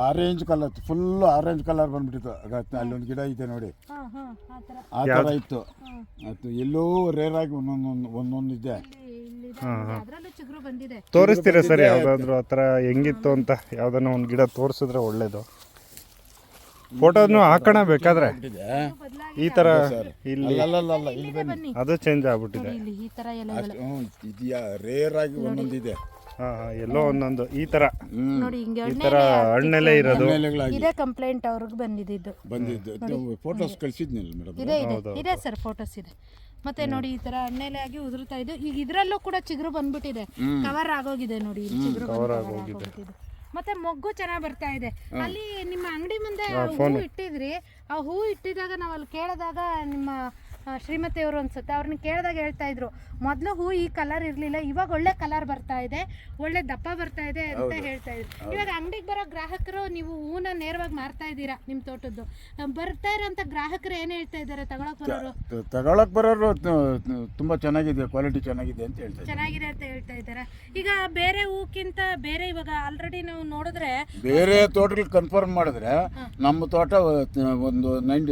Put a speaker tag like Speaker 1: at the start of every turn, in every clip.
Speaker 1: Orange colour, full orange colour ಬಂದ್ಬಿಟ್ಟಿತ್ತು. ಅಲ್ಲೊಂದು ಗಿಡ ಇದೆ ನೋಡಿ, ಆ ಥರ ಇತ್ತು. ಅದು ಎಲ್ಲೋ ರೇರ್ ಆಗಿ ಒಂದೊಂದು ಇದೆ.
Speaker 2: ತೋರಿಸ್ತೀರಾ ಸರ್ ಯಾವ್ದಾದ್ರು ಆ ಥರ ಹೆಂಗಿತ್ತು ಅಂತ? ಯಾವ್ದಾನ ಒಂದು ಗಿಡ ತೋರಿಸಿದ್ರೆ ಒಳ್ಳೇದು. ಫೋಟೋನು ಹಾಕೋಣ ಬೇಕಾದ್ರೆ. ಈ ತರ ಇಲ್ಲಿ ಅದು ಚೇಂಜ್ ಆಗ್ಬಿಟ್ಟಿದೆ.
Speaker 1: ಇದೆಯಾ ರೇರ್ ಆಗಿ ಒಂದೊಂದಿದೆ.
Speaker 2: ಎಲ್ಲೋ ಒಂದೊಂದು ಈ ತರ ಹಣ್ಣೆಲೆ ಇರೋದು.
Speaker 3: ಇದೇ ಕಂಪ್ಲೇಂಟ್ ಅವ್ರಿಗೆ ಬಂದಿದ್ದು.
Speaker 1: ಫೋಟೋಸ್ ಕಳಿಸಿದ್ನಿಲ್ಲ ಮೇಡಮ್.
Speaker 3: ಇದೆ ಸರ್, ಫೋಟೋಸ್ ಇದೆ. ಮತ್ತೆ ನೋಡಿ ಈ ತರ ಹಣ್ಣೆಲೆ ಆಗಿ ಉದುರ್ತಾ ಇದೆ. ಈಗ ಇದ್ರಲ್ಲೂ ಕೂಡ ಚಿಗುರು ಬಂದ್ಬಿಟ್ಟಿದೆ, ಕವರ್ ಆಗೋಗಿದೆ ನೋಡಿ. ಚಿಗುರು ಆಗೋಗಿದೆ. ಮತ್ತೆ ಮೊಗ್ಗು ಚೆನ್ನಾಗಿ ಬರ್ತಾ ಇದೆ. ಅಲ್ಲಿ ನಿಮ್ಮ ಅಂಗಡಿ ಮುಂದೆ ಹೂ ಇಟ್ಟಿದ್ರಿ, ಆ ಹೂ ಇಟ್ಟಿದಾಗ ನಾವು ಅಲ್ಲಿ ಕೇಳಿದಾಗ ನಿಮ್ಮ ಶ್ರೀಮತಿಯವರು ಅನ್ಸುತ್ತೆ, ಅವ್ರನ್ನ ಕೇಳಿದಾಗ ಹೇಳ್ತಾ ಇದ್ರು ಮೊದಲು ಹೂ ಈ ಕಲರ್ ಇರಲಿಲ್ಲ, ಇವಾಗ ಒಳ್ಳೆ ಕಲರ್ ಬರ್ತಾ ಇದೆ, ಒಳ್ಳೆ ದಪ್ಪ ಬರ್ತಾ ಇದೆ ಅಂತ ಹೇಳ್ತಾ ಇದ್ರು. ಇವಾಗ ಅಂಗಡಿಗೆ ಬರೋ ಗ್ರಾಹಕರು ನೀವು ಹೂನ ನೇರವಾಗಿ ಮಾರ್ತಾ ಇದ್ದೀರಾ ನಿಮ್ಮ ತೋಟದ್ದು. ಬರ್ತಾ ಇರೋಂಥ ಗ್ರಾಹಕರು ಏನು ಹೇಳ್ತಾ ಇದ್ದಾರೆ?
Speaker 1: ತಗೊಳಕ್ ಬರೋರು ತುಂಬಾ ಚೆನ್ನಾಗಿದೆ, ಕ್ವಾಲಿಟಿ ಚೆನ್ನಾಗಿದೆ ಅಂತ ಹೇಳ್ತಾರೆ.
Speaker 3: ಚೆನ್ನಾಗಿದೆ ಅಂತ ಹೇಳ್ತಾ ಇದ್ದಾರೆ. ಈಗ ಬೇರೆ ಹೂಕ್ಕಿಂತ ಬೇರೆ ಇವಾಗ ಆಲ್ರೆಡಿ ನಾವು ನೋಡಿದ್ರೆ
Speaker 1: ಬೇರೆ ತೋಟಗಳು ಕನ್ಫರ್ಮ್ ಮಾಡಿದ್ರೆ ನಮ್ಮ ತೋಟ ಒಂದು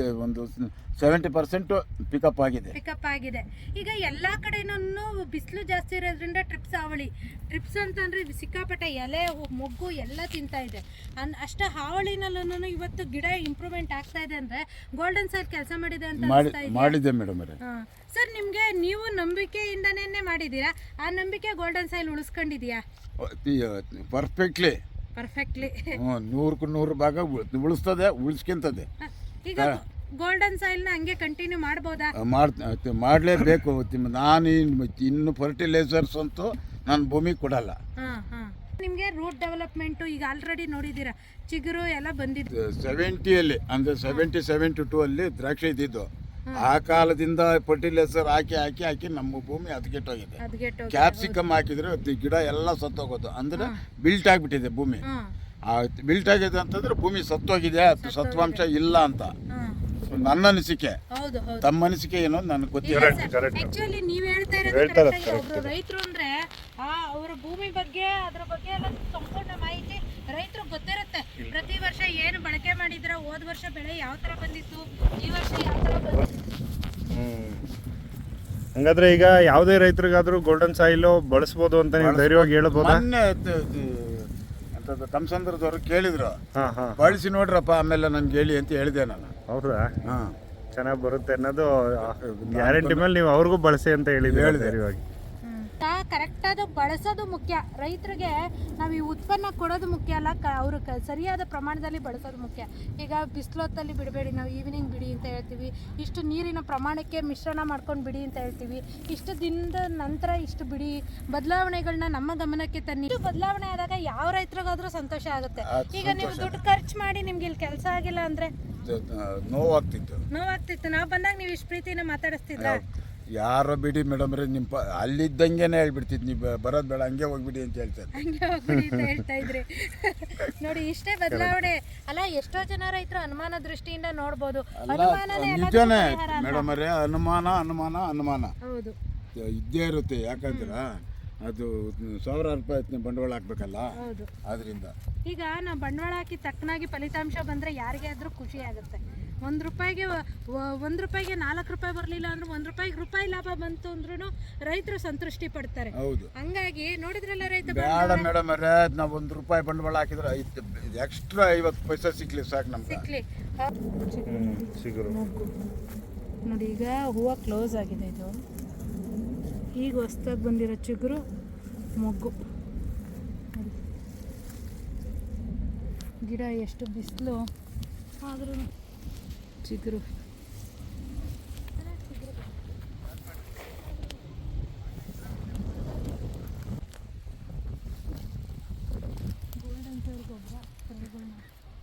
Speaker 1: 70% ಪಿಕಪ್
Speaker 3: ಆಗಿದೆ. ಈಗ ಎಲ್ಲಾ ಕಡೆನೂ ಬಿಸಿಲು ಜಾಸ್ತಿ ಇರೋದ್ರಿಂದ ಟ್ರಿಪ್ಸ್ ಅಂತಂದ್ರೆ ಸಿಕ್ಕಾಪಟ್ಟೆ ಎಲೆ ಮೊಗ್ಗು ಎಲ್ಲ ತಿಂತಾ ಇದೆ. ಅಷ್ಟ ಹಾವಳಿನಲ್ಲೂ ಇವತ್ತು ಗಿಡ ಇಂಪ್ರೂವ್ಮೆಂಟ್ ಆಗ್ತಾ ಇದೆ ಅಂದ್ರೆ ಗೋಲ್ಡನ್ ಸಾಯಿಲ್ ಕೆಲಸ ಮಾಡಿದೆ ಅಂತ
Speaker 1: ಮಾಡಿದೆ ಮೇಡಮ್.
Speaker 3: ಸರ್ ನಿಮ್ಗೆ ನೀವು ನಂಬಿಕೆಯಿಂದನೇ ಮಾಡಿದೀರಾ, ಆ ನಂಬಿಕೆ ಗೋಲ್ಡನ್ ಸಾಯಿಲ್ ಉಳಿಸ್ಕೊಂಡಿದ್ಯಾ?
Speaker 1: ಪರ್ಫೆಕ್ಟ್ಲಿ 100ಕ್ಕೆ 100 ಭಾಗ ಉಳಿಸ್ತದೆ, ಉಳಿಸ್ಕೊಂತದೆ.
Speaker 3: ಈಗ ಗೋಲ್ಡನ್ ಸಾಯಿಲ್ನ ಹಂಗೆ ಕಂಟಿನ್ಯೂ ಮಾಡ್ಬೋದಾ?
Speaker 1: ಮಾಡಲೇಬೇಕು. ನಾನು ಇನ್ನು ಫರ್ಟಿಲೈಸರ್ಸ್ ಅಂತೂ ನಾನು ಭೂಮಿಗೆ ಕೊಡಲ್ಲ.
Speaker 3: ನಿಮಗೆ ರೂಟ್ ಡೆವಲಪ್ಮೆಂಟ್ ಈಗ ಆಲ್ರೆಡಿ ನೋಡಿದ್ದೀರಾ, ಚಿಗುರು ಎಲ್ಲ ಬಂದಿದ್ದು
Speaker 1: 70ಯಲ್ಲಿ, ಅಂದರೆ 70-72 ಅಲ್ಲಿ ದ್ರಾಕ್ಷಿ ಇದ್ದಿದ್ದು. ಆ ಕಾಲದಿಂದ ಫರ್ಟಿಲೈಸರ್ ಹಾಕಿ ನಮ್ಮ ಭೂಮಿ ಹದಗೆಟ್ಟೋಗಿದೆ. ಕ್ಯಾಪ್ಸಿಕಮ್ ಹಾಕಿದ್ರೆ ಗಿಡ ಎಲ್ಲ ಸತ್ತೋಗೋದು, ಅಂದ್ರೆ ಬಿಲ್ಟ್ ಆಗಿಬಿಟ್ಟಿದೆ ಭೂಮಿ. ಬಿಲ್ಟ್ ಆಗಿದೆ ಅಂತಂದ್ರೆ ಭೂಮಿ ಸತ್ತೋಗಿದೆ, ಸತ್ವಾಂಶ ಇಲ್ಲ ಅಂತ ನನ್ನ ಅನಿಸಿಕೆ. ತಮ್ಮ ಅನಿಸಿಕೆ ಏನೋ ನನಗೆ ಗೊತ್ತಿಲ್ಲ.
Speaker 3: ಆಕ್ಚುಲಿ ನೀವು ಹೇಳ್ತಾ ಇರೋದು ರೈತರು ಅಂದ್ರೆ ಅವರ ಭೂಮಿ ಬಗ್ಗೆ ಅದ್ರ ಬಗ್ಗೆ ಎಲ್ಲ ಸಂಪೂರ್ಣ ಮಾಹಿತಿ ರೈತರು ಗೊತ್ತಿರುತ್ತೆ. ಪ್ರತಿ ವರ್ಷ ಏನು ಬಳಕೆ ಮಾಡಿದ್ರ, ಹೋದ ವರ್ಷ ಬೆಳೆ ಯಾವ ತರ ಬಂದಿತ್ತು, ಈ ವರ್ಷ ಯಾವ ತರ ಬಂದಿತ್ತು.
Speaker 2: ಹಂಗಾದ್ರೆ ಈಗ ಯಾವುದೇ ರೈತರಿಗಾದ್ರೂ ಗೋಲ್ಡನ್ ಸಾಯಿಲ್ ಬಳಸಬಹುದು ಅಂತ ನೀವು ಧೈರ್ಯವಾಗಿ ಹೇಳ್ಬೋದಾ?
Speaker 1: ತಮ್ಮಸಂದ್ರದವ್ರು ಕೇಳಿದ್ರು, ಬಳಸಿ ನೋಡ್ರಪ್ಪ ಆಮೇಲೆ ನನ್ಗೆ ಹೇಳಿ ಅಂತ ಹೇಳಿದೆ ನಾನು.
Speaker 2: ಹೌದಾ? ಚೆನ್ನಾಗಿ ಬರುತ್ತೆ ಅನ್ನೋದು ಗ್ಯಾರಂಟಿ ಮೇಲೆ ನೀವು ಅವ್ರಿಗೂ ಬಳಸಿ ಅಂತ ಹೇಳಿದ್ರೆ ಧೈರ್ಯವಾಗಿ.
Speaker 3: ಕರೆಕ್ಟ್ ಆದ ಬಳಸೋದು ಮುಖ್ಯ. ರೈತರಿಗೆ ನಾವು ಈ ಉತ್ಪನ್ನ ಕೊಡೋದು ಮುಖ್ಯ ಅಲ್ಲ, ಅವರು ಸರಿಯಾದ ಪ್ರಮಾಣದಲ್ಲಿ ಬಳಸೋದು ಮುಖ್ಯ. ಈಗ ಬಿಸಿಲೊತ್ತಲ್ಲಿ ಬಿಡಬೇಡಿ, ನಾವು ಈವ್ನಿಂಗ್ ಬಿಡಿ ಅಂತ ಹೇಳ್ತೀವಿ. ಇಷ್ಟು ನೀರಿನ ಪ್ರಮಾಣಕ್ಕೆ ಮಿಶ್ರಣ ಮಾಡ್ಕೊಂಡು ಬಿಡಿ ಅಂತ ಹೇಳ್ತೀವಿ. ಇಷ್ಟು ದಿನದ ನಂತರ ಇಷ್ಟು ಬಿಡಿ. ಬದಲಾವಣೆಗಳನ್ನ ನಮ್ಮ ಗಮನಕ್ಕೆ ತನ್ನಿ. ಇಷ್ಟು ಬದಲಾವಣೆ ಆದಾಗ ಯಾವ ರೈತರಿಗಾದ್ರೂ ಸಂತೋಷ ಆಗುತ್ತೆ. ಈಗ ನೀವು ದುಡ್ಡು ಖರ್ಚು ಮಾಡಿ ನಿಮ್ಗೆ ಇಲ್ಲಿ ಕೆಲಸ ಆಗಿಲ್ಲ ಅಂದ್ರೆ ನೋವಾಗ್ತಿತ್ತು. ನಾವು ಬಂದಾಗ ನೀವು ಇಷ್ಟು ಪ್ರೀತಿನ ಮಾತಾಡಿಸ್ತಿದ್ರ?
Speaker 1: ಯಾರೋ ಬಿಡಿ ಮೇಡಮ್ ರೇ, ನಿಮ್ಮ ಅಲ್ಲಿದ್ದಂಗೆನೆ ಹೇಳ್ಬಿಡ್ತಿದ್, ನೀವು ಬರೋದು ಬೇಡ, ಹಂಗೆ ಹೋಗ್ಬಿಡಿ ಅಂತ ಹೇಳ್ತಾರೆ.
Speaker 3: ಹೇಳ್ತಾ ಇದ್ರಿ ನೋಡಿ, ಇಷ್ಟೇ ಬದಲಾವಣೆ ಅಲ್ಲ. ಎಷ್ಟೋ ಜನ ರೈತರು ಅನುಮಾನ ದೃಷ್ಟಿಯಿಂದ ನೋಡ್ಬೋದು.
Speaker 1: ನಿಜಾನೇ ಮೇಡಮ್ ರೇ, ಅನುಮಾನ ಹೌದು ಇದ್ದೇ ಇರುತ್ತೆ. ಯಾಕಂದ್ರೆ ಅದು ₹1000 ಬಂಡವಾಳ ಹಾಕ್ಬೇಕಲ್ಲ, ಆದ್ರಿಂದ
Speaker 3: ಈಗ ನಾವು ಬಂಡವಾಳ ಹಾಕಿ ತಕ್ಕನಾಗಿ ಫಲಿತಾಂಶ ಬಂದ್ರೆ ಯಾರಿಗೆ ಆದ್ರೂ ಖುಷಿ ಆಗುತ್ತೆ. ₹1 ರೂಪಾಯಿಗೆ 4 ರೂಪಾಯಿ ಬರಲಿಲ್ಲ ಅಂದ್ರೆ ₹1 ಲಾಭ ಬಂತು ಅಂದ್ರೂ ರೈತರು ಸಂತೃಷ್ಟಿ ಪಡ್ತಾರೆ. ಹಂಗಾಗಿ ನೋಡಿದ್ರಲ್ಲ ರೈತ
Speaker 1: ಬೇಡ ಮೇಡಮ್ ಅವರೇ, ನಾವು ₹1 ಬಂಡವಾಳ ಹಾಕಿದ್ರೆ ಎಕ್ಸ್ಟ್ರಾ 50 ಪೈಸೆ ಸಿಕ್ಲಿ ಸಾಕು ನಮ್ಗೆ.
Speaker 3: ನೋಡಿ ಈಗ ಹೂವು ಕ್ಲೋಸ್ ಆಗಿದೆ. ಇದು ಈಗ ಹೊಸದಾಗಿ ಬಂದಿರೋ ಚಿಗುರು ಮೊಗ್ಗು. ಗಿಡ ಎಷ್ಟು ಬಿಸಿಲು ಆದ್ರೂ ಚಿಗುರು. ಗೋಲ್ಡನ್ ಸಾಯಿಲ್ ಗೊಬ್ಬರ ಕಳೆಗಳನ್ನ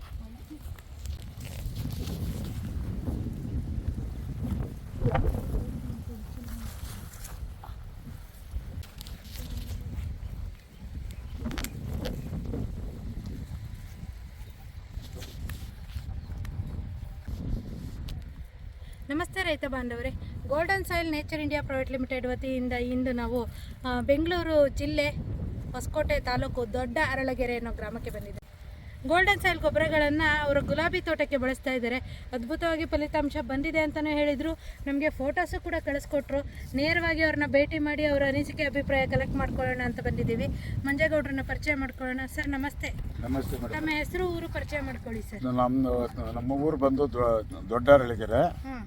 Speaker 3: ನಮಸ್ತೆ ರೈತ ಬಾಂಧವರೇ, golden soil nature India private limited ವತಿಯಿಂದ ಇಂದು ನಾವು ಬೆಂಗಳೂರು ಜಿಲ್ಲೆ ಹೊಸಕೋಟೆ ತಾಲೂಕು ದೊಡ್ಡ ಅರಳಗೆರೆ ಅನ್ನೋ ಗ್ರಾಮಕ್ಕೆ ಬಂದಿದೆ. ಗೋಲ್ಡನ್ ಸಾಯಿಲ್ ಗೊಬ್ಬರಗಳನ್ನು ಅವರು ಗುಲಾಬಿ ತೋಟಕ್ಕೆ ಬಳಸ್ತಾ ಇದ್ದಾರೆ. ಅದ್ಭುತವಾಗಿ ಫಲಿತಾಂಶ ಬಂದಿದೆ ಅಂತಲೇ ಹೇಳಿದರು. ನಮಗೆ ಫೋಟೋಸು ಕೂಡ ಕಳಿಸ್ಕೊಟ್ರು. ನೇರವಾಗಿ ಅವ್ರನ್ನ ಭೇಟಿ ಮಾಡಿ ಅವರ ಅನಿಸಿಕೆ ಅಭಿಪ್ರಾಯ ಕಲೆಕ್ಟ್ ಮಾಡ್ಕೊಳ್ಳೋಣ ಅಂತ ಬಂದಿದ್ದೀವಿ. ಮಂಜೇಗೌಡ್ರನ್ನ ಪರಿಚಯ ಮಾಡ್ಕೊಳ್ಳೋಣ. ಸರ್ ನಮಸ್ತೆ.
Speaker 1: ನಮಸ್ತೆ ಮೇಡಮ್.
Speaker 3: ನಮ್ಮ ಹೆಸರು, ಊರು ಪರಿಚಯ ಮಾಡ್ಕೊಳ್ಳಿ ಸರ್.
Speaker 1: ನಮ್ಮ ಊರು ಬಂದು ದೊಡ್ಡರಳಿಗೆರೆ.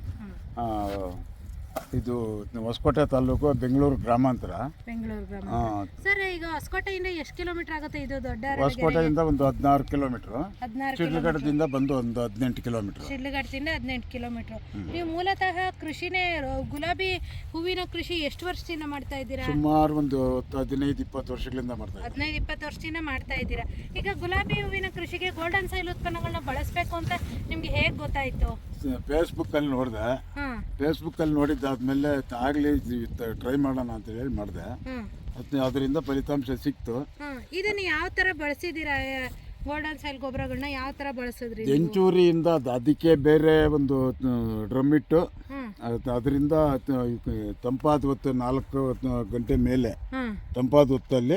Speaker 1: ಇದು ಹೊಸಕೋಟೆ ತಾಲೂಕು, ಬೆಂಗಳೂರು ಗ್ರಾಮಾಂತರ.
Speaker 3: ಬೆಂಗಳೂರು ಗ್ರಾಮ. ಸರ್ ಈಗ ಹೊಸಕೋಟೆಯಿಂದ ಎಷ್ಟು ಕಿಲೋಮೀಟರ್ ಆಗುತ್ತೆ ಇದು ದೊಡ್ಡ?
Speaker 1: ಹೊಸಕೋಟೆಯಿಂದ ಒಂದು 16 ಕಿಲೋಮೀಟ್ರು.
Speaker 3: 16
Speaker 1: ಶಿಡ್ಲಘಟ್ಟದಿಂದ ಬಂದು ಒಂದು 18 ಕಿಲೋಮೀಟ್ರು.
Speaker 3: ಶಿಡ್ಲಘಟ್ಟದಿಂದ 18 ಕಿಲೋಮೀಟ್ರು. ನೀವು ಮೂಲತಃ ಕೃಷಿನೇ, ಗುಲಾಬಿ ಹೂವಿನ ಕೃಷಿ ಎಷ್ಟು ವರ್ಷದಿಂದ ಮಾಡ್ತಾ ಇದ್ದೀರಾ?
Speaker 1: ಸುಮಾರು ಒಂದು 15-20 ವರ್ಷಗಳಿಂದ ಮಾಡ್ತಾ ಇದ್ದೀವಿ.
Speaker 3: 15-20 ವರ್ಷದಿಂದ ಮಾಡ್ತಾ ಇದ್ದೀರಾ. ಈಗ ಗುಲಾಬಿ ಹೂವಿನ ಕೃಷಿಗೆ ಗೋಲ್ಡನ್ ಸಾಯಿಲ್ ಉತ್ಪನ್ನಗಳನ್ನ ಬಳಸಬೇಕು ಅಂತ ನಿಮ್ಗೆ ಹೇಗೆ ಗೊತ್ತಾಯ್ತು?
Speaker 1: ಫೇಸ್ಬುಕ್ಕಲ್ಲಿ ನೋಡಿದೆ. ಫೇಸ್ಬುಕ್ಕಲ್ಲಿ ನೋಡಿದ್ದಾದ್ಮೇಲೆ ಆಗಲಿ ಟ್ರೈ ಮಾಡೋಣ ಅಂತ ಹೇಳಿ ಮಾಡಿದೆ. ಅದರಿಂದ ಫಲಿತಾಂಶ ಸಿಕ್ತು.
Speaker 3: ಇದನ್ನ ಯಾವ ಥರ ಬಳಸಿದ್ದೀರಾ? ಗೋಲ್ಡನ್ ಸಾಯಿಲ್ ಗೊಬ್ಬರಗಳನ್ನ ಯಾವ ಥರ ಬಳಸಿದ್ರಿ?
Speaker 1: ಎಂಚೂರಿಯಿಂದ ಅದಕ್ಕೆ ಬೇರೆ ಒಂದು ಡ್ರಮ್ ಇಟ್ಟು ಅದರಿಂದ ತಂಪಾದ ಹೊತ್ತು 4 ಗಂಟೆ ಮೇಲೆ ತಂಪಾದ ಹೊತ್ತಲ್ಲಿ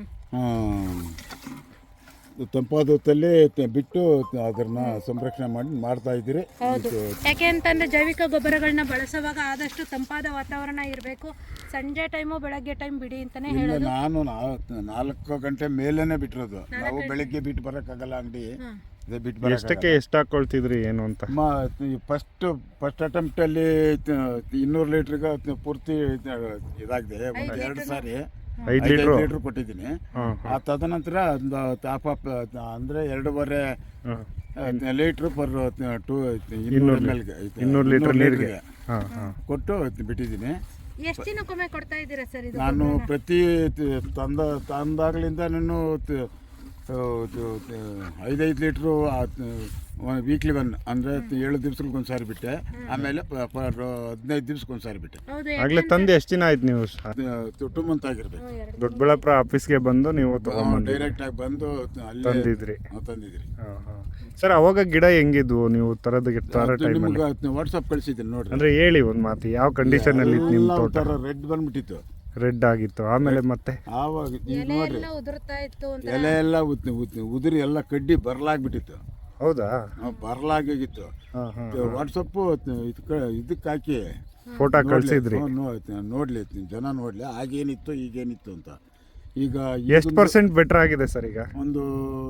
Speaker 1: ಬಿಟ್ಟು ಅದನ್ನ ಸಂರಕ್ಷಣೆ ಮಾಡ್ತಾ ಇದ್ದೀರಿ.
Speaker 3: ಯಾಕೆ ಅಂತಂದ್ರೆ ಜೈವಿಕ ಗೊಬ್ಬರಗಳನ್ನ ಬಳಸುವಾಗ ಆದಷ್ಟು ತಂಪಾದ ವಾತಾವರಣ ಇರಬೇಕು. ಸಂಜೆ ಟೈಮು, ಬೆಳಗ್ಗೆ ಟೈಮ್ ಬಿಡಿ ಅಂತಾನೆ ಹೇಳೋದು.
Speaker 1: ನಾನು 4 ಗಂಟೆ ಮೇಲೇನೆ ಬಿಟ್ಟಿರೋದು. ನಾವು ಬೆಳಗ್ಗೆ ಬಿಟ್ಟು ಬರೋಕ್ಕಾಗಲ್ಲ ಅಂಗಡಿ.
Speaker 2: ಎಷ್ಟಕ್ಕೆ ಎಷ್ಟು ಹಾಕೊಳ್ತಿದ್ರಿ ಏನು ಅಂತ?
Speaker 1: ಫಸ್ಟ್ ಅಟೆಂಪ್ಟ್ ಅಲ್ಲಿ 200 ಲೀಟ್ರಿಗೆ ಪೂರ್ತಿ ಇದಾಗಿದೆ. ಒಂದು 2 ಸಾರಿ 5 ಲೀಟರ್ ಕೊಟ್ಟಿದ್ದೀನಿ. ತದನಂತರ ಒಂದು ಟಾಪ್ ಅಪ್ ಅಂದ್ರೆ 2.5 ಲೀಟರ್ ಪರ್ 200 ಲೀಟರ್ ನೀರಿಗೆ ಕೊಟ್ಟು ಬಿಟ್ಟಿದ್ದೀನಿ.
Speaker 3: ಎಷ್ಟು ದಿನಕ್ಕೊಮ್ಮೆ ಕೊಡ್ತಾ ಇದ್ದೀರಾ ಸರ್ ಇದು?
Speaker 1: ನಾನು ಪ್ರತಿ ತಂದಾಗ್ಲಿಂದ ನಾನು 5 ಲೀಟ್ರು ವೀಕ್ಲಿ 1 ಅಂದರೆ 7 ದಿವ್ಸಕ್ಕೆ ಒಂದ್ಸಾರಿ ಬಿಟ್ಟೆ. ಆಮೇಲೆ 15 ದಿವ್ಸಕ್ಕೆ ಒಂದ್ಸಾರಿ ಬಿಟ್ಟೆ.
Speaker 2: ಆಗ್ಲೇ ತಂದು ಎಷ್ಟು ದಿನ ಆಯ್ತು ನೀವು?
Speaker 1: 2 ಮಂತ್ ಆಗಿರ್ಬೇಕು.
Speaker 2: ದೊಡ್ಡಬಳ್ಳಾಪುರ ಆಫೀಸ್ಗೆ ಬಂದು ನೀವು
Speaker 1: ಡೈರೆಕ್ಟ್ ಆಗಿ ಬಂದು
Speaker 2: ತಂದಿದ್ರಿ.
Speaker 1: ತಂದಿದ್ರಿ
Speaker 2: ಸರ್. ಅವಾಗ ಗಿಡ ಹೆಂಗಿದ್ವು ನೀವು ತರದ
Speaker 1: ನಿಮ್ಗೆ ವಾಟ್ಸಪ್ ಕಳಿಸಿದ್ದೀನಿ ನೋಡ್ರಿ.
Speaker 2: ಅಂದ್ರೆ ಹೇಳಿ ಒಂದು ಮಾತು, ಯಾವ ಕಂಡೀಷನ್ ಅಲ್ಲಿ ನಿಮ್ಮ ತೋಟ?
Speaker 1: ರೆಡ್ ಬಂದ್ಬಿಟ್ಟಿತ್ತು,
Speaker 2: ರೆಡ್ ಆಗಿತ್ತು. ಆಮೇಲೆ ಮತ್ತೆ
Speaker 1: ಆವಾಗ ನೋಡ್ರಿ
Speaker 3: ಉದುರ್ತಾ ಇತ್ತು,
Speaker 1: ಎಲೆ ಎಲ್ಲ ಉದುರಿ ಎಲ್ಲ ಕಡ್ಡಿ ಬರ್ಲಾಗ್ಬಿಟ್ಟಿತ್ತು.
Speaker 2: ಹೌದಾ?
Speaker 1: ಬರ್ಲಾಗಿತ್ತು. ವಾಟ್ಸಪ್ ಇದಕ್ಕೆ ಹಾಕಿ
Speaker 2: ಫೋಟೋ ಕಳಿಸಿದ್ರಿ.
Speaker 1: ನೋಡ್ಲಿ ಜನ ನೋಡ್ಲಿ ಆಗೇನಿತ್ತು ಈಗೇನಿತ್ತು ಅಂತ. ಈಗ
Speaker 2: ಎಷ್ಟು ಪರ್ಸೆಂಟ್ ಬೆಟರ್ ಆಗಿದೆ ಸರ್? ಈಗ
Speaker 1: ಒಂದು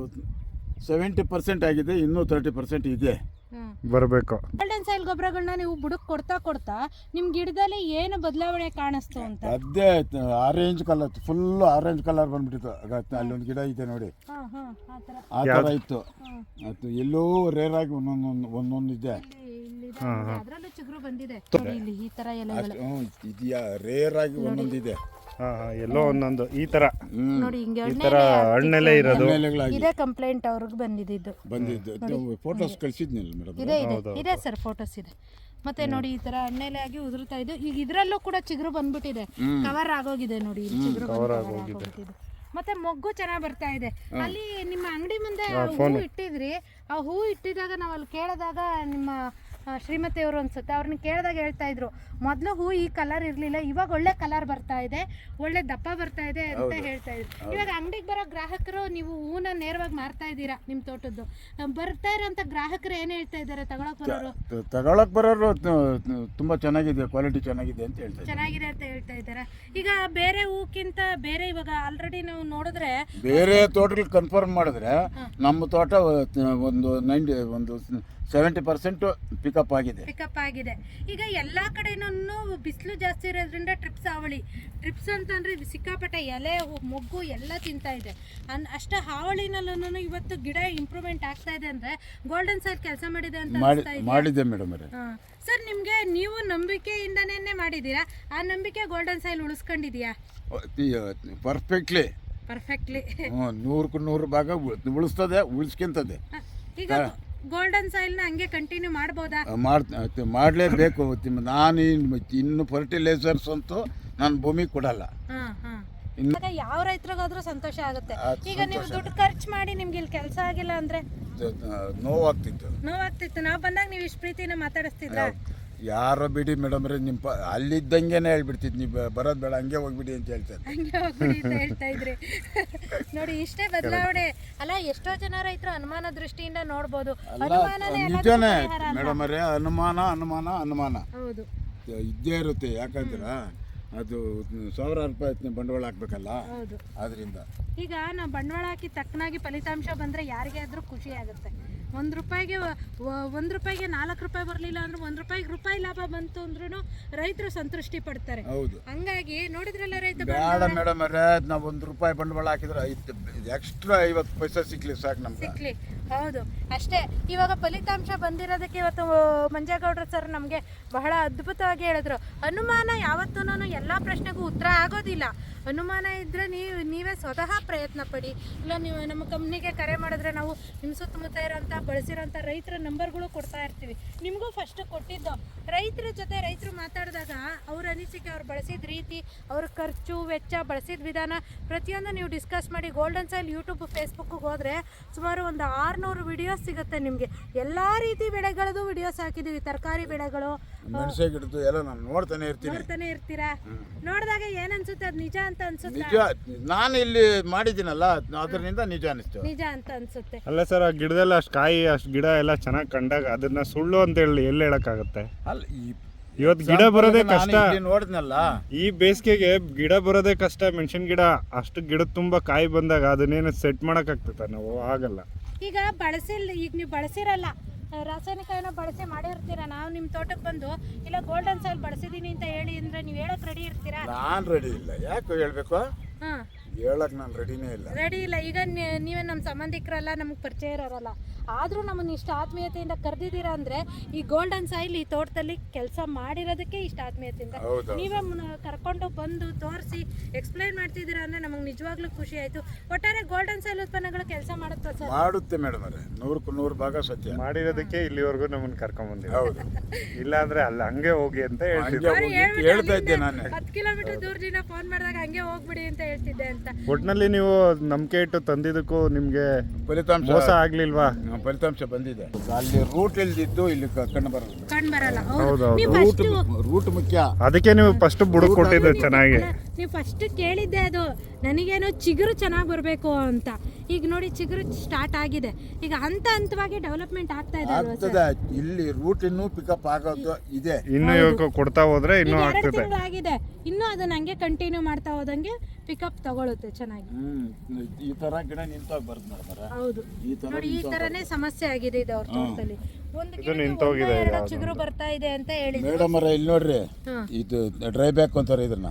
Speaker 1: 70% ಆಗಿದೆ, ಇನ್ನೂ 30% ಇದೆ
Speaker 2: ಬರಬೇಕು.
Speaker 3: ಗೋಲ್ಡನ್ ಸಾಯಿಲ್ ಗೊಬ್ಬರಗಳನ್ನ ನೀವು ಬುಡಕ್ ಕೊಡ್ತಾ ನಿಮ್ ಗಿಡದಲ್ಲಿ ಏನು ಬದಲಾವಣೆ ಕಾಣಿಸ್ತು ಅಂತ?
Speaker 1: ಅದೇ orange colour, full orange colour ಬಂದ್ಬಿಟ್ಟಿತ್ತು. ಅಲ್ಲೊಂದು ಗಿಡ ಇದೆ ನೋಡಿ, ಆ ಥರ ಇತ್ತು. ಅದು ಎಲ್ಲೋ ರೇರ್ ಆಗಿ ಒಂದೊಂದು ಇದೆ.
Speaker 3: ಅದ್ರಲ್ಲೂ ಚಿಗುರು ಬಂದಿದೆ ಇಲ್ಲಿ ಈ ತರ ಎಲೆಗಳು
Speaker 1: ಇದೆಯಾ, ರೇರ್ ಆಗಿ ಒಂದೊಂದಿದೆ.
Speaker 2: ಎಲ್ಲೋ ಒಂದೊಂದು ಈ ತರ
Speaker 3: ನೋಡಿ, ಹಿಂಗೆ
Speaker 2: ಈ ತರ ಹಣ್ಣೆಲೆ ಇರೋದು.
Speaker 3: ಇದೇ ಕಂಪ್ಲೇಂಟ್ ಅವ್ರಿಗೆ ಬಂದಿದ್ದು.
Speaker 1: ಫೋಟೋಸ್ ಕಳಿಸಿದ್ನಿಲ್ಲ ಮೇಡಮ್.
Speaker 3: ಇದೆ ಸರ್, ಫೋಟೋಸ್ ಇದೆ. ಮತ್ತೆ ನೋಡಿ ಈ ತರ ಹಣ್ಣೆಲೆ ಆಗಿ ಉದುರ್ತಾ ಇದೆ. ಈಗ ಇದ್ರಲ್ಲೂ ಕೂಡ ಚಿಗುರು ಬಂದ್ಬಿಟ್ಟಿದೆ, ಕವರ್ ಆಗೋಗಿದೆ ನೋಡಿ, ಚಿಗುರು ಆಗೋಗಿದೆ. ಮತ್ತೆ ಮೊಗ್ಗು ಚೆನ್ನಾಗಿ ಬರ್ತಾ ಇದೆ. ಅಲ್ಲಿ ನಿಮ್ಮ ಅಂಗಡಿ ಮುಂದೆ ಹೂ ಇಟ್ಟಿದ್ರಿ. ಆ ಹೂ ಇಟ್ಟಿದಾಗ ನಾವು ಅಲ್ಲಿ ಕೇಳಿದಾಗ ನಿಮ್ಮ ಶ್ರೀಮತಿಯವರು ಅನ್ಸುತ್ತೆ, ಅವ್ರನ್ನ ಕೇಳಿದಾಗ ಹೇಳ್ತಾ ಇದ್ರು, ಮೊದಲು ಹೂ ಈ ಕಲರ್ ಇರಲಿಲ್ಲ, ಇವಾಗ ಒಳ್ಳೆ ಕಲರ್ ಬರ್ತಾ ಇದೆ, ಒಳ್ಳೆ ದಪ್ಪ ಬರ್ತಾ ಇದೆ ಅಂತ ಹೇಳ್ತಾ ಇದ್ರು. ಇವಾಗ ಅಂಗಡಿಗೆ ಬರೋ ಗ್ರಾಹಕರು ನೀವು ಹೂನ ನೇರವಾಗಿ ಮಾರ್ತಾ ಇದ್ದೀರಾ ನಿಮ್ಮ ತೋಟದ್ದು. ಬರ್ತಾ ಇರೋಂಥ ಗ್ರಾಹಕರು ಏನು ಹೇಳ್ತಾ ಇದ್ದಾರೆ? ತಗೊಳಕ್ ಬರೋರು
Speaker 1: ತುಂಬಾ ಚೆನ್ನಾಗಿದೆ, ಕ್ವಾಲಿಟಿ ಚೆನ್ನಾಗಿದೆ ಅಂತ
Speaker 3: ಹೇಳ್ತಾ ಇದ್ದಾರೆ. ಈಗ ಬೇರೆ ಹೂಕ್ಕಿಂತ ಬೇರೆ ಇವಾಗ ಆಲ್ರೆಡಿ ನಾವು ನೋಡಿದ್ರೆ
Speaker 1: ಬೇರೆ ತೋಟಗಳು ಕನ್ಫರ್ಮ್ ಮಾಡಿದ್ರೆ ನಮ್ಮ ತೋಟ ಒಂದು 70% ಪಿಕಪ್ ಆಗಿದೆ.
Speaker 3: ಈಗ ಎಲ್ಲಾ ಕಡೆನೂ ಬಿಸಿಲು ಜಾಸ್ತಿ ಇರೋದ್ರಿಂದ ಟ್ರಿಪ್ಸ್ ಅಂತಂದ್ರೆ ಸಿಕ್ಕಾಪಟ್ಟೆ ಎಲೆ ಮೊಗ್ಗು ಎಲ್ಲ ತಿಂತಾ ಇದೆ. ಅಷ್ಟ ಹಾವಳಿನಲ್ಲೂ ಇವತ್ತು ಗಿಡ ಇಂಪ್ರೂವ್ಮೆಂಟ್ ಆಗ್ತಾ ಇದೆ ಅಂದ್ರೆ ಗೋಲ್ಡನ್ ಸಾಯಿಲ್ ಕೆಲಸ ಮಾಡಿದೆ ಅಂತ
Speaker 1: ಮಾಡಿದೆ ಮೇಡಮ್.
Speaker 3: ಸರ್, ನಿಮ್ಗೆ ನೀವು ನಂಬಿಕೆಯಿಂದನೇ ಮಾಡಿದೀರಾ? ಆ ನಂಬಿಕೆ ಗೋಲ್ಡನ್ ಸಾಯಿಲ್ ಉಳಿಸ್ಕೊಂಡಿದ್ಯಾ?
Speaker 1: ಪರ್ಫೆಕ್ಟ್ಲಿ 100% ಭಾಗ ಉಳಿಸ್ತದೆ, ಉಳಿಸ್ಕೊಂತದೆ.
Speaker 3: ಈಗ ಗೋಲ್ಡನ್ ಸಾಯಿಲ್ನ ಹಂಗೆ ಕಂಟಿನ್ಯೂ ಮಾಡ್ಬೋದಾ?
Speaker 1: ಮಾಡಲೇಬೇಕು. ನಾನು ಇನ್ನು ಫರ್ಟಿಲೈಸರ್ಸ್ ಅಂತೂ ನಾನು ಭೂಮಿಗೆ ಕೊಡಲ್ಲ.
Speaker 3: ಯಾವ ರೈತರಿಗಾದ್ರೂ ಸಂತೋಷ ಆಗುತ್ತೆ. ಈಗ ನೀವು ದುಡ್ಡು ಖರ್ಚು ಮಾಡಿ ನಿಮ್ಗೆ ಇಲ್ಲಿ ಕೆಲಸ ಆಗಿಲ್ಲ ಅಂದ್ರೆ
Speaker 1: ನೋವಾಗ್ತಿತ್ತು.
Speaker 3: ನಾವು ಬಂದಾಗ ನೀವು ಇಷ್ಟು ಪ್ರೀತಿನ ಮಾತಾಡಿಸ್ತಿದ್ರ?
Speaker 1: ಯಾರೋ ಬಿಡಿ ಮೇಡಮ್ ರೀ ನಿಮ್ಮ ಅಲ್ಲಿದ್ದಂಗೆನೇ ಹೇಳ್ಬಿಡ್ತಿದ್ ನೀವು ಬರೋದು ಬೇಡ ಹಂಗೆ ಹೋಗ್ಬಿಡಿ ಅಂತ ಹೇಳ್ತಾರೆ.
Speaker 3: ಹಂಗೆ ಹೋಗ್ಬಿಡಿ ಅಂತ ಹೇಳ್ತಾ ಇದ್ರಿ. ನೋಡಿ ಇಷ್ಟೇ ಬದಲಾವಣೆ ಅಲ್ಲ. ಎಷ್ಟೋ ಜನ ರೈತರು ಅನುಮಾನ ದೃಷ್ಟಿಯಿಂದ ನೋಡ್ಬೋದು. ಅನುಮಾನನೇ ಎಲ್ಲದಕ್ಕೂ
Speaker 1: ನಿಜನೇ
Speaker 3: ಪರಿಹಾರ ಅಲ್ಲ.
Speaker 1: ಮೇಡಮ್ ಅವರೇ, ಅನುಮಾನ
Speaker 3: ಹೌದು.
Speaker 1: ಇದ್ದೇ ಇರುತ್ತೆ. ಯಾಕಂದ್ರೆ ಅದು ₹1,000 ಬಂಡವಾಳ ಹಾಕ್ಬೇಕಲ್ಲ,
Speaker 3: ಹೌದು.
Speaker 1: ಆದ್ರಿಂದ
Speaker 3: ಈಗ ನಾವು ಬಂಡವಾಳ ಹಾಕಿ ತಕ್ಕನಾಗಿ ಫಲಿತಾಂಶ ಬಂದರೆ ಯಾರಿಗೆ ಆದರೂ ಖುಷಿ ಆಗುತ್ತೆ. ಒಂದು ರೂಪಾಯಿಗೆ 4 ರೂಪಾಯಿ ಬರಲಿಲ್ಲ ಅಂದ್ರೆ ₹1 ಲಾಭ ಬಂತು ಅಂದ್ರೂ ರೈತರು ಸಂತೃಷ್ಟಿ ಪಡ್ತಾರೆ.
Speaker 1: ಹೌದು.
Speaker 3: ಹಂಗಾಗಿ ನೋಡಿದ್ರಲ್ಲ ರೈತ
Speaker 1: ಬೇಡ ಮೇಡಮ್ ಅವರೇ, ನಾವು ₹1 ಬಂಡವಾಳ ಹಾಕಿದ್ರೆ ಎಕ್ಸ್ಟ್ರಾ 50 ಪೈಸೆ ಸಿಕ್ಲಿ ಸಾಕು ನಮ್ಗೆ.
Speaker 3: ಸಿಕ್ಲಿ. ಹೌದು ಅಷ್ಟೇ. ಇವಾಗ ಫಲಿತಾಂಶ ಬಂದಿರೋದಕ್ಕೆ ಇವತ್ತು ಮಂಜೇಗೌಡರು ಸರ್ ನಮಗೆ ಬಹಳ ಅದ್ಭುತವಾಗಿ ಹೇಳಿದ್ರು. ಅನುಮಾನ ಯಾವತ್ತೂ ಎಲ್ಲ ಪ್ರಶ್ನೆಗೂ ಉತ್ತರ ಆಗೋದಿಲ್ಲ. ಅನುಮಾನ ಇದ್ದರೆ ನೀವೇ ಸ್ವತಃ ಪ್ರಯತ್ನ ಪಡಿ. ಇಲ್ಲ ನೀವು ನಮ್ಮ ಕಂಪ್ನಿಗೆ ಕರೆ ಮಾಡಿದ್ರೆ ನಾವು ನಿಮ್ಮ ಸುತ್ತಮುತ್ತ ಇರೋಂಥ ಬಳಸಿರೋಂಥ ರೈತರ ನಂಬರ್ಗಳು ಕೊಡ್ತಾ ಇರ್ತೀವಿ. ನಿಮಗೂ ಫಸ್ಟ್ ಕೊಟ್ಟಿದ್ದು ರೈತರ ಜೊತೆ ರೈತರು ಮಾತಾಡಿದಾಗ ಅವ್ರ ಅನಿಸಿಕೆ, ಅವ್ರು ಬಳಸಿದ ರೀತಿ, ಅವ್ರ ಖರ್ಚು ವೆಚ್ಚ, ಬಳಸಿದ ವಿಧಾನ ಪ್ರತಿಯೊಂದು ನೀವು ಡಿಸ್ಕಸ್ ಮಾಡಿ. ಗೋಲ್ಡನ್ ಸಾಯಿಲ್ ಯೂಟ್ಯೂಬ್ ಫೇಸ್ಬುಕ್ಗೆ ಹೋದರೆ ಸುಮಾರು ಒಂದು 600 ವಿಡಿಯೋಸ್ ಸಿಗುತ್ತೆ ನಿಮಗೆ. ಎಲ್ಲ ರೀತಿ ಬೆಳೆಗಳದ್ದು ವಿಡಿಯೋಸ್ ಹಾಕಿದ್ದೀವಿ. ತರಕಾರಿ ಬೆಳೆಗಳು,
Speaker 1: ಮೆಣಸೆ ಗಿಡದ್ದು ಎಲ್ಲ ನಾನು ನೋಡ್ತಾನೆ
Speaker 3: ಇರ್ತೀರಾ. ನೋಡಿದಾಗ ಏನನ್ಸುತ್ತೆ? ಅದು ನಿಜ ಅಂತ ಅನ್ಸುತ್ತೆ.
Speaker 1: ನಿಜ, ನಾನು ಇಲ್ಲಿ ಮಾಡಿದ್ದೀನಲ್ಲ ಅದರಿಂದ ನಿಜ ಅನಿಸ್ತು.
Speaker 3: ನಿಜ ಅಂತ ಅನ್ಸುತ್ತೆ.
Speaker 2: ಅಲ್ಲ ಸರ್, ಆ ಗಿಡದಲ್ಲಿ ಅಷ್ಟು ಕಾಯಿ ಅಷ್ಟು ಗಿಡ ಎಲ್ಲ ಚೆನ್ನಾಗಿ ಕಂಡಾಗ ಅದನ್ನ ಸುಳ್ಳು ಅಂತ ಎಲ್ಲಿ ಹೇಳಕ್ಕಾಗತ್ತೆ?
Speaker 1: ಅಲ್ಲ,
Speaker 2: ಇವತ್ತು ಗಿಡ ಬರೋದೇ ಕಷ್ಟ.
Speaker 1: ನೋಡಿದ್ನಲ್ಲ,
Speaker 2: ಈ ಬೇಸಿಗೆಗೆ ಗಿಡ ಬರೋದೇ ಕಷ್ಟ. ಮೆಣಸಿನ ಗಿಡ ಅಷ್ಟು ಗಿಡದ ತುಂಬಾ ಕಾಯಿ ಬಂದಾಗ ಅದನ್ನೇನು ಸೆಟ್ ಮಾಡಕ್ ಆಗ್ತದ? ನಾವು ಆಗಲ್ಲ. ಈಗ
Speaker 3: ನೀವು ಬಳಸಿರಲ್ಲ, ರಾಸಾಯನಿಕ ಏನೋ ಬಳಸಿ ಮಾಡಿರ್ತೀರಾ. ನಾವು ನಿಮ್ಮ ತೋಟಕ್ಕೆ ಬಂದು ಇಲ್ಲ ಗೋಲ್ಡನ್ ಸಾಯಿಲ್ ಬಳಸಿದೀನಿ ಅಂತ ಹೇಳಿ ಅಂದ್ರೆ ನೀವು ಹೇಳಕ್ ರೆಡಿ ಇರ್ತೀರಾ?
Speaker 1: ನಾನು ರೆಡಿ ಇಲ್ಲ. ಯಾಕೆ ಹೇಳ್ಬೇಕು? ಹೇಳಕ್ ನಾನು ರೆಡಿನೇ ಇಲ್ಲ.
Speaker 3: ರೆಡಿ ಇಲ್ಲ. ಈಗ ನೀವೇ ನಮ್ಮ ಸಂಬಂಧಿಕರಲ್ಲ, ನಮ್ಗೆ ಪರಿಚಯ ಇರೋರಲ್ಲ, ಆದರೂ ನಮ್ಮನ್ನು ಇಷ್ಟ ಆತ್ಮೀಯತೆಯಿಂದ ಕರೆದಿದ್ದೀರಾ ಅಂದರೆ ಈ ಗೋಲ್ಡನ್ ಸಾಯಿಲ್ ಈ ತೋಟದಲ್ಲಿ ಕೆಲಸ ಮಾಡಿರೋದಕ್ಕೆ ಇಷ್ಟ ಆತ್ಮೀಯತೆಯಿಂದ ನೀವೇ ಕರ್ಕೊಂಡು ಬಂದು ತೋರಿಸಿ ಎಕ್ಸ್ಪ್ಲೈನ್ ಮಾಡ್ತಿದ್ದೀರಾ ಅಂದರೆ ನಮಗೆ ನಿಜವಾಗ್ಲೂ ಖುಷಿ ಆಯಿತು. ಒಟ್ಟಾರೆ ಗೋಲ್ಡನ್ ಸಾಯಿಲ್ ಉತ್ಪನ್ನಗಳು ಕೆಲಸ ಮಾಡುತ್ತೆ ಸರ್? ಮಾಡುತ್ತೆ
Speaker 1: ಮೇಡಮ್ ಅವರೇ, 100% ಭಾಗ ಸತ್ಯ.
Speaker 2: ಮಾಡಿರೋದಕ್ಕೆ ಇಲ್ಲಿವರೆಗೂ ನಮ್ಮನ್ನು ಕರ್ಕೊಂಡ್ಬಂದಿಲ್ಲ.
Speaker 1: ಹೌದು.
Speaker 2: ಇಲ್ಲ ಅಂದ್ರೆ ಅಲ್ಲಿ ಹಂಗೆ ಹೋಗಿ ಅಂತ
Speaker 1: ಹೇಳ್ತಾ ಇದ್ದೆ ನಾನು.
Speaker 3: 10 ಕಿಲೋಮೀಟರ್ ದೂರದಿಂದ ಫೋನ್ ಮಾಡಿದಾಗ ಹಂಗೆ ಹೋಗ್ಬಿಡಿ ಅಂತ ಹೇಳ್ತಿದ್ದೆ ಅಂತ.
Speaker 2: ಒಟ್ಟಿನಲ್ಲಿ ನೀವು ನಂಬಿಕೆ ಇಟ್ಟು ತಂದಿದ್ದಕ್ಕೂ ನಿಮಗೆ
Speaker 1: ಫಲಿತಾಂಶ
Speaker 2: ಮೋಸ ಆಗ್ಲಿಲ್ವಾ?
Speaker 1: ಫಲಿತಾಂಶ ಬಂದಿದೆ. ಅಲ್ಲಿ ರೂಟ್ ಇಲ್ದಿದ್ದು ಇಲ್ಲಿ ಕಂಡು ಬರಲ್ಲ. ರೂಟ್ ಮುಖ್ಯ.
Speaker 2: ಅದಕ್ಕೆ ನೀವು ಫಸ್ಟ್ ಬುಡಕ್ ಕೊಟ್ಟಿದ್ದು ಚೆನ್ನಾಗಿ.
Speaker 3: ನೀವು ಫಸ್ಟ್ ಕೇಳಿದ್ದೆ ಅದು ನನಗೇನೋ ಚಿಗುರು ಚೆನ್ನಾಗಿ ಬರಬೇಕು ಅಂತ. ಈಗ ನೋಡಿ ಚಿಗುರು ಸ್ಟಾರ್ಟ್ ಆಗಿದೆ. ಈಗ ಹಂತವಾಗಿ ಡೆವಲಪ್ಮೆಂಟ್ ಆಗ್ತಾ ಇದೆ.
Speaker 1: ಇಲ್ಲಿ ರೂಟ್ ಇನ್ನೂ ಪಿಕಪ್ ಆಗೋದು ಇದೆ.
Speaker 2: ಇನ್ನು ಕೊಡ್ತಾ ಹೋದ್ರೆ ಇನ್ನೂ ಆಗ್ತದೆ.
Speaker 3: ಆಗಿದೆ. ಇನ್ನು ಅದನ್ನ ಹಂಗೆ ಕಂಟಿನ್ಯೂ ಮಾಡ್ತಾ ಹೋದಂಗೆ ಪಿಕಪ್ ತಗೊಳುತ್ತೆ ಚೆನ್ನಾಗಿ.
Speaker 1: ಈ ತರ ಗಿಡ ನಿಂತಾಗ ಬರುತ್ತೆ ಮೇಡಮ್.
Speaker 3: ಹೌದು ನೋಡಿ, ಈ ತರನೇ ಸಮಸ್ಯೆ ಆಗಿದೆ ಇದು ಅವ್ರ ತೋಟದಲ್ಲಿ. ಚಿಗುರು ಬರ್ತಾ ಇದೆ ಅಂತ ಹೇಳಿ
Speaker 1: ಮೇಡಮ್ ಅವರೇ, ಇಲ್ಲಿ ನೋಡ್ರಿ, ಇದು ಡ್ರೈ ಬ್ಯಾಕ್ ಅಂತಾರೆ ಇದನ್ನ.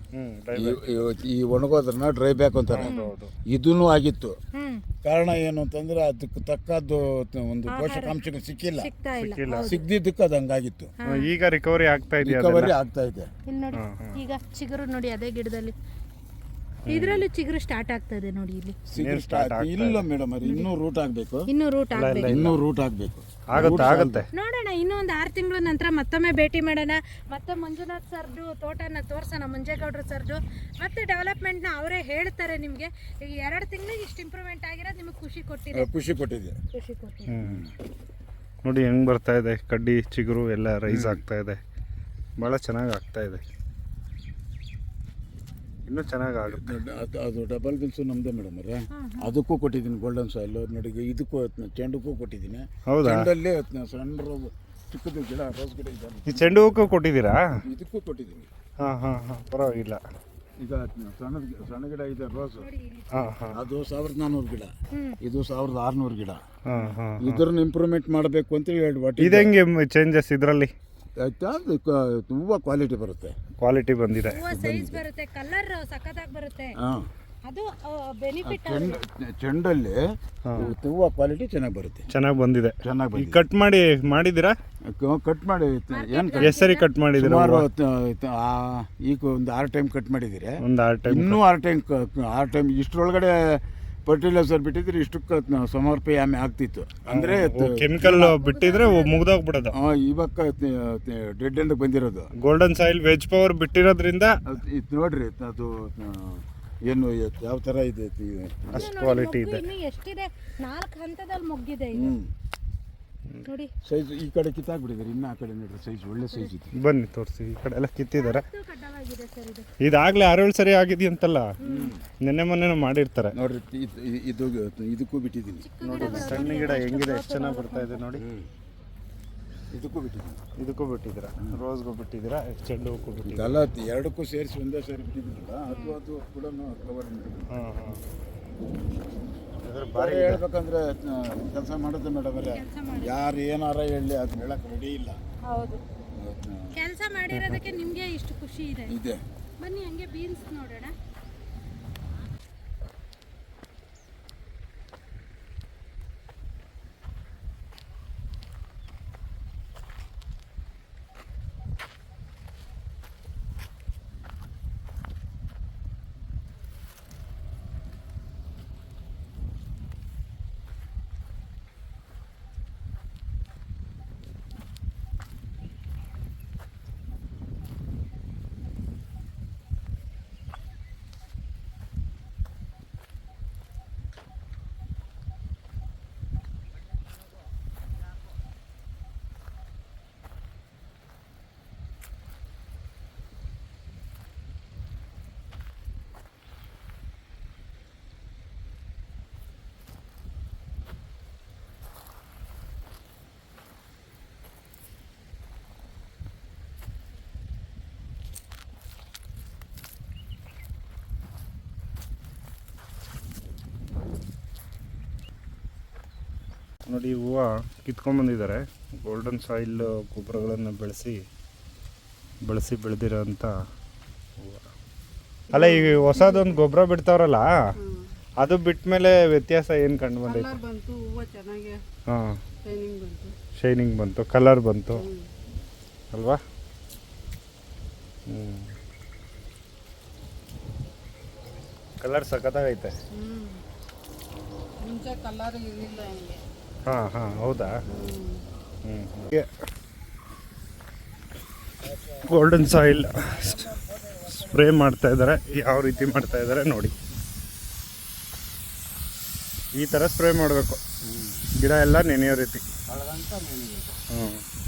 Speaker 1: ಈ ಒಣಗೋದ್ರನ್ನ ಡ್ರೈ ಬ್ಯಾಕ್ ಅಂತಾರೆ. ಇದೂನು ಆಗಿತ್ತು. ಕಾರಣ ಏನು ಅಂತಂದ್ರೆ ಅದಕ್ಕೆ ತಕ್ಕದ್ದು ಒಂದು ಪೋಷಕಾಂಶಗಳು ಸಿಕ್ಕಿಲ್ಲ. ಸಿಗ್ದಿದ್ದಕ್ಕೆ ಅದು ಹಂಗಾಗಿತ್ತು.
Speaker 2: ಈಗ ರಿಕವರಿ ಆಗ್ತಾ ಇದೆ.
Speaker 3: ಇಲ್ಲಿ ನೋಡಿ, ಈಗ ಚಿಗುರು ನೋಡಿ ಅದೇ ಗಿಡದಲ್ಲಿ ಇದ್ರಲ್ಲೂ ಚಿಗುರು ಸ್ಟಾರ್ಟ್ ಆಗ್ತದೆ ನೋಡಿ. ಇಲ್ಲಿ
Speaker 1: ಇಲ್ಲ ಮೇಡಮ್ ಅವ್ರೆ, ಇನ್ನೂ ರೂಟ್ ಆಗ್ಬೇಕು.
Speaker 3: ಇನ್ನೂ ರೂಟ್
Speaker 1: ಆಗ್ಬೇಕು.
Speaker 2: ಆಗುತ್ತೆ.
Speaker 3: ನೋಡೋಣ, ಇನ್ನೂ ಒಂದು 6 ತಿಂಗಳ ನಂತರ ಮತ್ತೊಮ್ಮೆ ಭೇಟಿ ಮಾಡೋಣ. ಮತ್ತೆ ಮಂಜುನಾಥ್ ಸರ್ದು ತೋಟನ ತೋರ್ಸೋಣ, ಮಂಜೇಗೌಡರು ಸರ್ದು. ಮತ್ತೆ ಡೆವಲಪ್ಮೆಂಟ್ನ ಅವರೇ ಹೇಳ್ತಾರೆ ನಿಮಗೆ. ಈಗ 2 ತಿಂಗಳಿಗೆ ಇಷ್ಟು ಇಂಪ್ರೂವ್ಮೆಂಟ್ ಆಗಿರೋದು ನಿಮಗೆ ಖುಷಿ ಕೊಟ್ಟಿದೆ.
Speaker 2: ನೋಡಿ ಹೆಂಗ್ ಬರ್ತಾ ಇದೆ, ಕಡ್ಡಿ ಚಿಗುರು ಎಲ್ಲ ರೈಸ್ ಆಗ್ತಾ ಇದೆ. ಭಾಳ ಚೆನ್ನಾಗಿ ಆಗ್ತಾ ಇದೆ. ಇನ್ನೂ ಚೆನ್ನಾಗಿ ಆಗುತ್ತೆ.
Speaker 1: ಅದು ಡಬಲ್ ಬಿಲ್ಸು ನಮ್ದೇ ಮೇಡಮ್ ಅವರೇ. ಅದಕ್ಕೂ ಕೊಟ್ಟಿದ್ದೀನಿ ಗೋಲ್ಡನ್ ಸಾಯಿಲ್. ನೋಡಿ, ಇದಕ್ಕೂ ಚೆಂಡಕ್ಕೂ ಕೊಟ್ಟಿದ್ದೀನಿ. ಚೆಂಡಲ್ಲಿ ಸಣ್ಣ ರೋಸ್, ಚಿಕ್ಕದು ಗಿಡ, ರೋಸ್ ಗಿಡ ಇದೆ.
Speaker 2: ಈ ಚೆಂಡು ಹೂಕ್ಕೂ ಕೊಟ್ಟಿದ್ದೀರಾ?
Speaker 1: ಇದಕ್ಕೂ ಕೊಟ್ಟಿದ್ದೀನಿ.
Speaker 2: ಪರವಾಗಿಲ್ಲ.
Speaker 1: ಈಗ ಸಣ್ಣ ಗಿಡ ಇದೆ ರೋಸ್, ಅದು 1400 ಗಿಡ, ಇದು 1600 ಗಿಡ. ಇದ್ರನ್ನ ಇಂಪ್ರೂವ್ಮೆಂಟ್ ಮಾಡಬೇಕು ಅಂತ ಹೇಳಿ.
Speaker 2: ಇದು ಹೆಂಗೆ ಚೇಂಜಸ್ ಇದರಲ್ಲಿ?
Speaker 1: ಹೂವು ಕ್ವಾಲಿಟಿ ಬರುತ್ತೆ.
Speaker 2: ಕ್ವಾಲಿಟಿ ಬಂದಿದೆ,
Speaker 3: ಸೈಜ್ ಬರುತ್ತೆ, ಕಲರ್ ಸಖತ್ತಾಗಿ ಬರುತ್ತೆ. ಅದು ಬೆನಿಫಿಟ್.
Speaker 1: ಚೆಂಡಲ್ಲಿ ಹೂವು ಕ್ವಾಲಿಟಿ ಚೆನ್ನಾಗಿ ಬರುತ್ತೆ.
Speaker 2: ಚೆನ್ನಾಗಿ ಬಂದಿದೆ. ಕಟ್ ಮಾಡಿದ್ದೀರಾ?
Speaker 1: ಕಟ್ ಮಾಡಿ
Speaker 2: ಸರಿ ಕಟ್ ಮಾಡಿದ್ದೀರಾ?
Speaker 1: ಈಗ ಒಂದು 6 ಟೈಮ್ ಕಟ್ ಮಾಡಿದ್ದೀರಿ.
Speaker 2: ಒಂದು 6 ಟೈಮ್,
Speaker 1: ಇನ್ನೂ 6 ಟೈಮ್ ಇಷ್ಟರೊಳಗಡೆ ಫರ್ಟಿಲೈಸರ್ ಬಿಟ್ಟಿದ್ರೆ ಇಷ್ಟಕ್ಕೆ ಸಮರ್ಪಣೆ ಆಗ್ತಿತ್ತು. ಅಂದ್ರೆ
Speaker 2: ಕೆಮಿಕಲ್ ಬಿಟ್ಟಿದ್ರೆ ಮುಗ್ದೋಗ್ಬಿಡೋದು.
Speaker 1: ಇವಾಗ ಡೆಡ್ ಎಂಡ್ ಬಂದಿರೋದು
Speaker 2: ಗೋಲ್ಡನ್ ಸಾಯಿಲ್ ವೆಜ್ ಪವರ್ ಬಿಟ್ಟಿರೋದ್ರಿಂದ
Speaker 1: ಇದು ನೋಡ್ರಿ, ಅದು ಏನು ಯಾವ ತರ ಇದೆ,
Speaker 2: ಅಷ್ಟು ಕ್ವಾಲಿಟಿ ಇದೆ.
Speaker 3: ಎಷ್ಟಿದೆ? 4 ಹಂತದಲ್ಲಿ ಮುಗ್ಗಿದೆ. ನೋಡಿ
Speaker 1: ಸೈಜ್ ಈ ಕಡೆ ಕಿತ್ತಾಕ್ಬಿಟ್ಟಿದ್ದಾರೆ, ಇನ್ನು ಆ ಕಡೆ ನೋಡ್ರಿ ಸೈಜ್ ಒಳ್ಳೆ ಸೈಜ್ ಇದೆ.
Speaker 2: ಬನ್ನಿ ತೋರಿಸಿ, ಈ ಕಡೆ ಎಲ್ಲ ಕಿತ್ತಿದ್ದಾರೆ.
Speaker 3: ಕಡ್ಡವಾಗಿದೆ ಸರ್ ಇದು.
Speaker 2: ಇದಾಗಲೇ 6-7 ಸರಿ ಆಗಿದೆಯಂತಲ್ಲ, ನೆನ್ನೆ ಮೊನ್ನೆ ಮಾಡಿರ್ತಾರೆ
Speaker 1: ನೋಡ್ರಿ. ಇದು ಇದಕ್ಕೂ ಬಿಟ್ಟಿದ್ದೀನಿ
Speaker 2: ನೋಡಿ. ಸಣ್ಣ ಗಿಡ ಹೆಂಗಿದೆ, ಎಷ್ಟು ಚೆನ್ನಾಗಿ ಬರ್ತಾ ಇದೆ ನೋಡಿ.
Speaker 1: ಇದಕ್ಕೂ ಬಿಟ್ಟಿದ್ದೀನಿ.
Speaker 2: ಇದಕ್ಕೂ ಬಿಟ್ಟಿದ್ದೀರಾ, ರೋಸ್ಗೂ ಬಿಟ್ಟಿದ್ದೀರಾ, ಚೆಂಡು ಹೂಕ್ಕೂ ಬಿಟ್ಟಿದ್ದೀರಾ.
Speaker 1: ಅಲ್ಲ, ಎರಡಕ್ಕೂ ಸೇರಿಸಿ ಒಂದೇ ಸಾರಿ ಬಿಟ್ಟಿದ್ದೀರಲ್ಲ, ಅದು ಕೂಡ ಕವರ್ ಮಾಡಿ.
Speaker 2: ಹಾಂ ಹಾಂ.
Speaker 1: ಬಾರಿ ಹೇಳ್ಬೇಕಂದ್ರೆ ಕೆಲಸ ಮಾಡೋದು ಮೇಡಮ್ ಅವರೇ, ಯಾರು ಏನಾರ ಹೇಳಿ ಅದು ಹೇಳಕ್ ರೆಡಿ ಇಲ್ಲ.
Speaker 3: ಹೌದು, ಕೆಲಸ ಮಾಡಿರೋದಕ್ಕೆ ನಿಮಗೆ ಇಷ್ಟು ಖುಷಿ ಇದೆ. ಬನ್ನಿ ಹಂಗೆ ಬೀನ್ಸ್ ನೋಡೋಣ.
Speaker 2: ನೋಡಿ, ಹೂವು ಕಿತ್ಕೊಂಡ್ಬಂದಿದ್ದಾರೆ. ಗೋಲ್ಡನ್ ಸಾಯಿಲ್ ಗೊಬ್ಬರಗಳನ್ನು ಬಳಸಿ ಬೆಳೆದಿರೋಂಥ ಹೂವು. ಅಲ್ಲ, ಈಗ ಹೊಸದೊಂದು ಗೊಬ್ಬರ ಬಿಡ್ತಾವ್ರಲ್ಲ, ಅದು ಬಿಟ್ಟ ಮೇಲೆ ವ್ಯತ್ಯಾಸ ಏನು ಕಂಡು ಬಂದೈತೆ? ಹಾಂ, ಶೈನಿಂಗ್ ಬಂತು, ಕಲರ್ ಬಂತು ಅಲ್ವಾ? ಕಲರ್ ಸಖತ್ತಾಗೈತೆ. ಹಾಂ ಹಾಂ, ಹೌದಾ? ಗೋಲ್ಡನ್ ಸಾಯಿಲ್ ಸ್ಪ್ರೇ ಮಾಡ್ತಾ ಇದ್ದಾರೆ. ಯಾವ ರೀತಿ ಮಾಡ್ತಾ ಇದ್ದಾರೆ ನೋಡಿ. ಈ ಥರ ಸ್ಪ್ರೇ ಮಾಡಬೇಕು, ಗಿಡ ಎಲ್ಲ ನೆನೆಯೋ ರೀತಿ. ಹ್ಞೂ.